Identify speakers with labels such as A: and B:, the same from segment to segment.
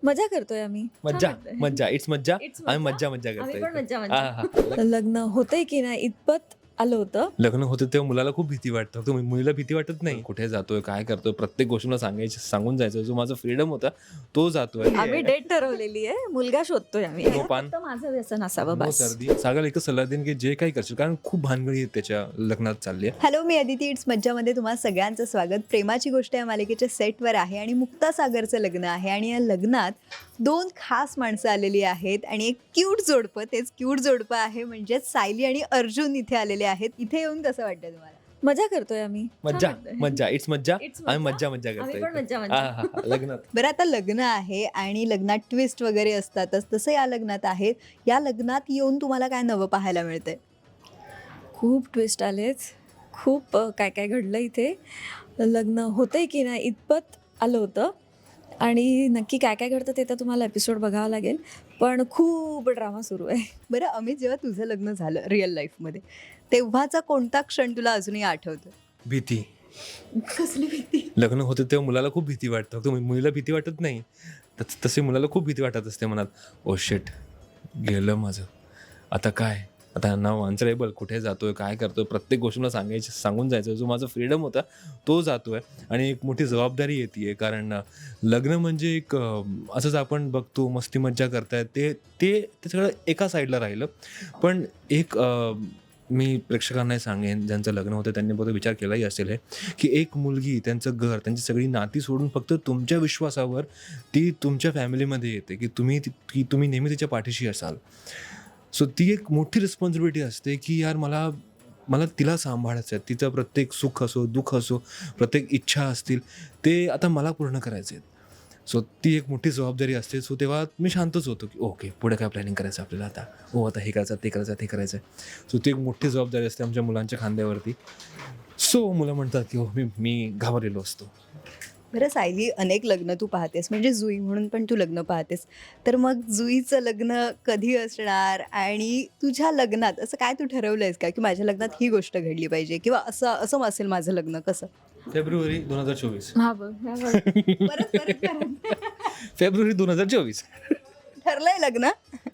A: मजा करतोय आम्ही. छान
B: मज्जा
A: वाटतंय.
B: मज्जा इट्स मज्जा.
A: It's
B: आम्ही
A: मज्जा.
B: मज्जा मज्जा
A: आम्ही पण
B: करतोय.
A: मज्जा
B: हा
A: मज्जा.
B: हा
A: लग्न होतंय की नाही इतपत आलं होतं.
B: लग्न होतं तेव्हा मुलाला खूप भीती वाटतं. फक्त मुलीला भीती वाटत नाही. कुठे जातोय, काय करतोय, प्रत्येक गोष्टीला सांगून जायचं. जो माझा फ्रीडम होता तो जातोय.
A: आम्ही डेट ठरवलेली आहे. मुलगा शोधतोय आम्ही.
B: नो पान.
A: फक्त माझं व्यसन असावं
B: नो
A: बस.
B: सर्दी. सागरला एकच सल्ला देईन की जे काही करशील, कारण खूप भानगडी आहेत त्याच्या लग्नात चालली आहे.
C: हॅलो, मी अदिती. इट्स मज्जामध्ये तुम्हा सगळ्यांचं स्वागत. प्रेमाची गोष्ट या मालिकेच्या सेटवर आहे आणि मुक्ता सागरचं लग्न आहे आणि या लग्नात दोन खास माणसं आलेली आहेत आणि एक क्यूट जोडपं, तेच क्यूट जोडपं आहे म्हणजेच सायली आणि अर्जुन इथे आलेले आहेत. इथे येऊन कसं वाटतं तुम्हाला?
A: मजा करतोय आम्ही. छान
B: मज्जा
A: वाटतंय.
B: मज्जा इट्स मज्जा.
A: It's
B: आम्ही
A: मज्जा.
B: मज्जा मज्जा
A: आम्ही पण
B: करतोय.
A: मज्जा
B: हा
A: मज्जा.
B: हा हा. लग्नात
C: बरं, आता लग्न आहे आणि लग्नात ट्विस्ट वगैरे असतातच, तसं या लग्नात आहे. या लग्नात येऊन तुम्हाला काय नवं पाहायला मिळतंय?
A: खूप ट्विस्ट आलेच. खूप काय काय घडलं इथे. लग्न होतंय की नाही इतपत आलं होतं आणि नक्की काय काय घडतं ते तर तुम्हाला एपिसोड बघावं लागेल. पण खूप ड्रामा सुरू आहे.
C: बरं अमित, जेव्हा तुझं लग्न झालं रिअल लाईफमध्ये, तेव्हाचा कोणता क्षण तुला अजूनही आठवतो?
B: भीती.
C: कसली भीती?
B: लग्न होतं तेव्हा मुलाला खूप भीती वाटतं. फक्त मुलीला भीती वाटत नाही. तसे मुलाला खूप भीती वाटत असते मनात. ओ शिट, गेलं माझं. आता काय? आता नाव आन्सरेबल. कुठे जातोय, काय करतोय, प्रत्येक गोष्टीला सांगून जायचं. जो माझा फ्रीडम होता तो जातोय आणि एक मोठी जबाबदारी येते. कारण लग्न म्हणजे एक असंच आपण बघतो मस्ती मज्जा करतायत ते सगळं एका साईडला राहिलं. पण एक मी प्रेक्षकांनाही सांगेन, ज्यांचं लग्न होतं त्यांनी बहुतेक विचार केलाही असेल हे, की एक मुलगी त्यांचं घर, त्यांची सगळी नाती सोडून फक्त तुमच्या विश्वासावर ती तुमच्या फॅमिलीमध्ये येते की तुम्ही नेहमी तिच्या पाठीशी असाल. सो ती एक मोठी रिस्पॉन्सिबिलिटी असते की यार मला तिला सांभाळायचं आहे. तिचं प्रत्येक सुख असो, दुःख असो, प्रत्येक इच्छा असतील ते आता मला पूर्ण करायचे आहेत. सो ती एक मोठी जबाबदारी असते. सो तेव्हा मी शांतच होतो की ओके, पुढे काय प्लॅनिंग करायचं आपल्याला आता. आता हे करायचं, ते करायचं, ते करायचं. सो ती एक मोठी जबाबदारी असते आमच्या मुलांच्या खांद्यावरती. सो मुलं म्हणतात की हो, मी घाबरलेलो असतो.
C: बरं सायली, अनेक लग्न तू पाहतेस, म्हणजे जुई म्हणून पण तू लग्न पाहतेस. तर मग जुईचं लग्न कधी असणार आणि तुझ्या लग्नात असं काय तू ठरवलंयस का की माझ्या लग्नात ही गोष्ट घडली पाहिजे किंवा असं असं असेल माझं लग्न? कसं?
B: फेब्रुवारी 2024.
A: हा बघ, हा बघ.
B: फेब्रुवारी 2024.
C: ठरलंय लग्न?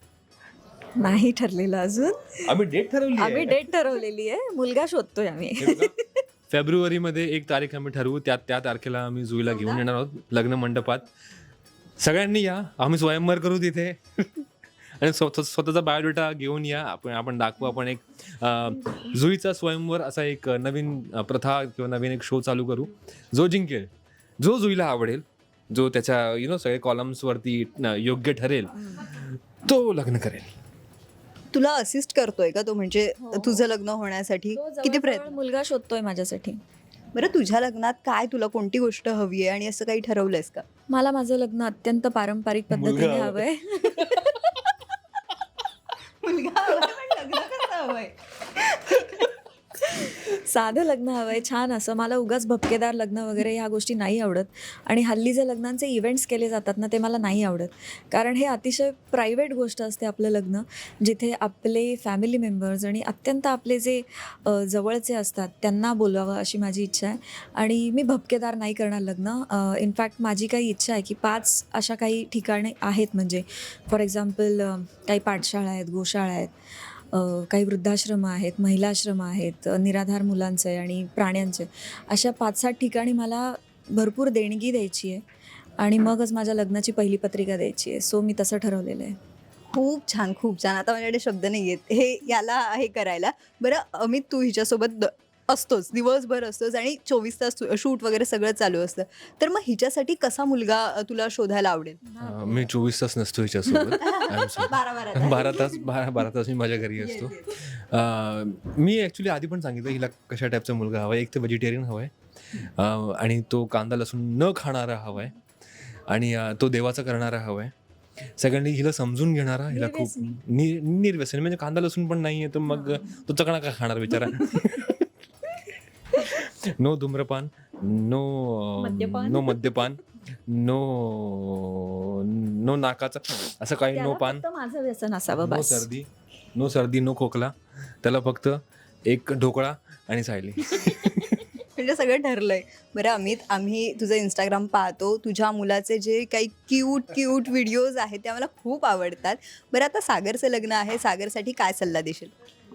A: नाही ठरलेलं अजून.
B: आम्ही डेट ठरवली
A: आम्ही
B: आहे.
A: डेट ठरवलेली आहे. मुलगा शोधतोय आम्ही.
B: हे बघा, फेब्रुवारीमध्ये एक तारीख आम्ही ठरवू. त्या तारखेला आम्ही जुईला घेऊन येणार आहोत लग्न मंडपात. सगळ्यांनी या, आम्ही स्वयंवर करू तिथे आणि स्वतःचा बायोडेटा घेऊन या. आपण दाखवू. आपण एक जुईचा स्वयंवर असा एक नवीन प्रथा किंवा नवीन एक शो चालू करू. जो जिंकेल, जो जुईला आवडेल, जो त्याच्या सगळे कॉलम्सवरती योग्य ठरेल, तो लग्न करेल.
C: तुला असिस्ट करतोय का तो, म्हणजे
A: हो.
C: तुझं लग्न होण्यासाठी
A: तो
C: किती
A: जवळजवळ
C: प्रयत्न?
A: मुलगा शोधतोय माझ्यासाठी.
C: बरं, तुझ्या लग्नात काय, तुला कोणती गोष्ट हवी आहे आणि असं काही ठरवलंयस का?
A: मला माझं लग्न अत्यंत पारंपरिक पद्धतीने
B: मुलगा
A: हवंय.
C: मुलगा हवाय, पण लग्न कसं हवंय?
A: साधं लग्न हवंय, छान असं. मला उगाच भपकेदार लग्न वगैरे ह्या गोष्टी नाही आवडत. आणि हल्ली जे लग्नांचे इव्हेंट्स केले जातात ना, ते मला नाही आवडत. कारण हे अतिशय प्रायव्हेट गोष्ट असते आपलं लग्न, जिथे आपले फॅमिली मेंबर्स आणि अत्यंत आपले जे जवळचे असतात त्यांना बोलावं अशी माझी इच्छा आहे. आणि मी भपकेदार नाही करणार लग्न. इनफॅक्ट माझी काही इच्छा आहे की 5 अशा काही ठिकाणे आहेत, म्हणजे फॉर एक्झाम्पल काही पाठशाळा आहेत, गोशाळा आहेत, काही वृद्धाश्रम आहेत, महिलाश्रम आहेत, निराधार मुलांचे आणि प्राण्यांचे. अशा 5-7 ठिकाणी मला भरपूर देणगी द्यायची आहे आणि मगच माझ्या लग्नाची पहिली पत्रिका द्यायची आहे. सो मी तसं ठरवलेलं आहे.
C: खूप छान, खूप छान. आता माझ्याकडे शब्द नाही आहेत हे याला हे करायला. बरं अमित, तू हिच्यासोबत असतोच, दिवसभर असतोच आणि 24 तास शूट वगैरे सगळं चालू असतं. तर मग हिच्यासाठी कसा मुलगा तुला शोधायला आवडेल?
B: मी 24 तास नसतो हिच्यासोबत. 12 तास मी माझ्या घरी असतो. मी ॲक्च्युली आधी पण सांगितलं हिला कशा टाईपचा मुलगा हवा आहे. एक तर व्हेजिटेरियन हवा आहे आणि तो कांदा लसूण न खाणारा हवा आहे आणि तो देवाचा करणारा हवा आहे. सेकंडली हिला समजून घेणारा, हिला खूप निर्व्यसनी, म्हणजे कांदा लसूण पण नाही आहे तर मग तो चकणा का खाणार बिचारा. नो धूम्रपान, नो मद्यपान, नो नाकाचा असं काही, नो
A: त्याला
B: पान,
A: फक्त माझं व्यसन असावं बस.
B: नो सर्दी, नो खोकला. त्याला फक्त एक ढोकळा आणि सायली.
C: म्हणजे सगळं ठरलंय. बरं अमित, आम्ही तुझं इंस्टाग्राम पाहतो. तुझ्या मुलाचे जे काही क्यूट व्हिडिओज आहेत ते आम्हाला खूप आवडतात. बरं आता सागरचं लग्न आहे. सागरसाठी काय सल्ला देशील?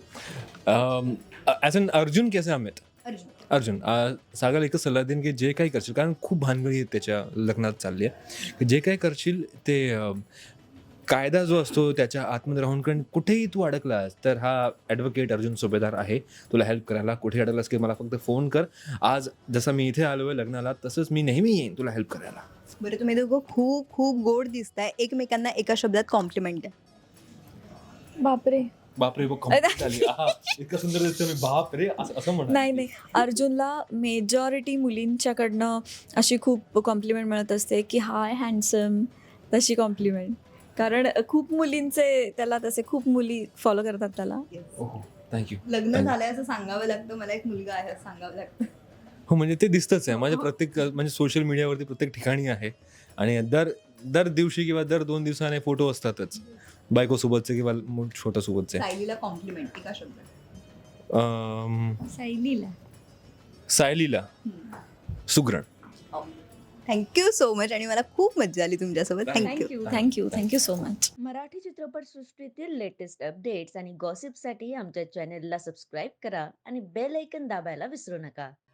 B: ॲज अन अर्जुन कैसे अमित अर्जुन सागर एकच सल्ला देईन की जे काही करशील, कारण खूप भानगडी त्याच्या लग्नात चालली आहे, की जे काही करशील ते कायदा जो असतो त्याच्या आतमध्ये राहून, कारण कुठेही तू अडकलास तर हा ॲडव्होकेट अर्जुन सुभेदार आहे तुला हेल्प करायला. कुठेही अडकलास की मला फक्त फोन कर. आज जसं मी इथे आलो आहे लग्नाला, तसंच मी नेहमी येईन तुला हेल्प करायला.
C: बरं तुम्ही दोघं खूप गोड दिसताय. एकमेकांना एका शब्दात कॉम्प्लिमेंट द्या.
A: बापरे.
B: बापरे compliment आली. आहा, इतकं सुंदर दिसतं मी, बाप रे असं म्हणा.
A: नाही अर्जुनला मेजॉरिटी मुलींच्याकडनं अशी खूप कॉम्प्लिमेंट मिळत असते की हाय हँडसम, तशी कॉम्प्लिमेंट. कारण खूप मुलींचे त्याला तसे खूप मुली फॉलो करतात त्याला.
B: थँक्यू.
C: लग्न झालंय असं सांगावं लागतं. मला एक मुलगा आहे असं सांगावं लागतं.
B: हो, म्हणजे ते दिसतंच आहे माझ्या प्रत्येक म्हणजे सोशल मीडियावरती प्रत्येक ठिकाणी आहे. आणि दर दिवशी किंवा दर 2 दिवसाने फोटो असतातच बायकोसोबतचे किंवा छोट्यासोबतचे.
C: सायलीला कॉम्प्लिमेंट एका शब्दात.
A: सायलीला
B: सायलीला सुगरण.
C: थँक्यू सो मच आणि मला खूप मज्जा आली तुमच्यासोबत. Thank you.
A: Thank you so much.
D: Marathi चित्रपटसृष्टीतील लेटेस्ट अपडेट्स आणि गॉसिपसाठी आमच्या चॅनेलला सबस्क्राईब करा आणि बेल ऐकन दाबायला विसरू नका.